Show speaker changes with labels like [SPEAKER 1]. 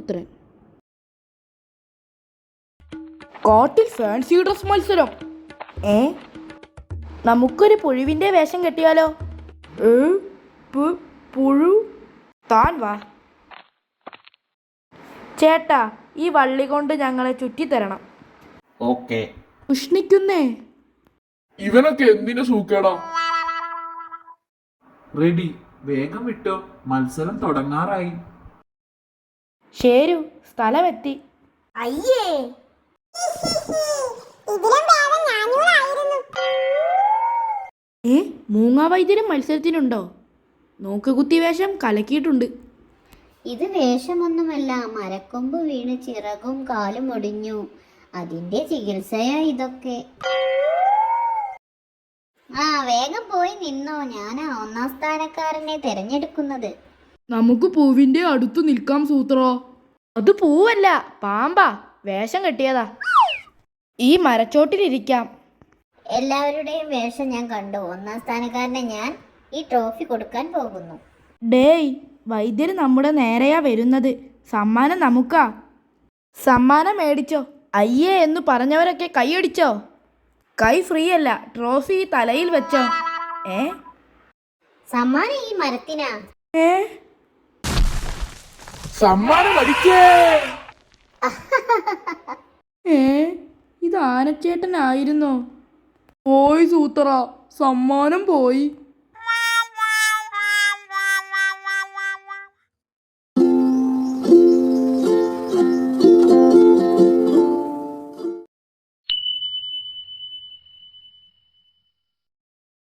[SPEAKER 1] പുത്രൻ. കാട്ടിൽ fancy dress മത്സരം. നമുക്കൊരു പുഴുവിന്റെ വേഷം കെട്ടിയാലോ? പുഴു? താൻ വാ ചേട്ടാ, ഈ വള്ളി കൊണ്ട് ഞങ്ങളെ ചുറ്റിത്തരണം.
[SPEAKER 2] ഓക്കേ.
[SPEAKER 1] ഉഷ്ണിക്കുന്നേ.
[SPEAKER 3] ഇവനൊക്കെ എന്തിനു സൂക്കേടാ?
[SPEAKER 2] റെഡി, വേഗം വിട്ടോ, മത്സരം തുടങ്ങാറായി.
[SPEAKER 1] ശരു, സ്ഥലമെത്തി.
[SPEAKER 4] അയ്യേ,
[SPEAKER 1] മൂങ്ങാ വൈദ്യരും മത്സരത്തിനുണ്ടോ? നോക്കുകുത്തി വേഷം കലക്കിയിട്ടുണ്ട്.
[SPEAKER 4] ഇത് വേഷമൊന്നുമല്ല, മരക്കൊമ്പ് വീണ് ചിറകും കാലും ഒടിഞ്ഞു, അതിന്റെ ചികിത്സയാ ഇതൊക്കെ. വേഗം പോയി നിന്നോ, ഞാനാ ഒന്നാം സ്ഥാനക്കാരനെ തെരഞ്ഞെടുക്കുന്നത്.
[SPEAKER 1] നമുക്ക് പൂവിന്റെ അടുത്ത് നിൽക്കാം സൂത്ര. അത് പൂവല്ല, പാമ്പാ. വേഷം കെട്ടിയതാ. ഈ മരച്ചോട്ടിലിരിക്കാം.
[SPEAKER 4] എല്ലാവരുടെയും വേഷം ഞാൻ കണ്ടു. ഒന്നാം സ്ഥാനക്കാരനെ ഞാൻ ഈ ട്രോഫി കൊടുക്കാൻ പോകുന്നു.
[SPEAKER 1] ഡേയ്, വൈദ്യര് നമ്മുടെ നേരെയാ വരുന്നത്. സമ്മാനം നമുക്കാ. സമ്മാനം മേടിച്ചോ. അയ്യേ എന്ന് പറഞ്ഞവരൊക്കെ കൈയടിച്ചോ. കൈ ഫ്രീ അല്ല, ട്രോഫി തലയിൽ വെച്ചോ.
[SPEAKER 4] സമ്മാനം ഈ മരത്തിനാ.
[SPEAKER 3] സമ്മാനം അടിക്കേ.
[SPEAKER 1] ഇത് ആനച്ചേട്ടനായിരുന്നോ? പോയി സൂത്ര, സമ്മാനം പോയി.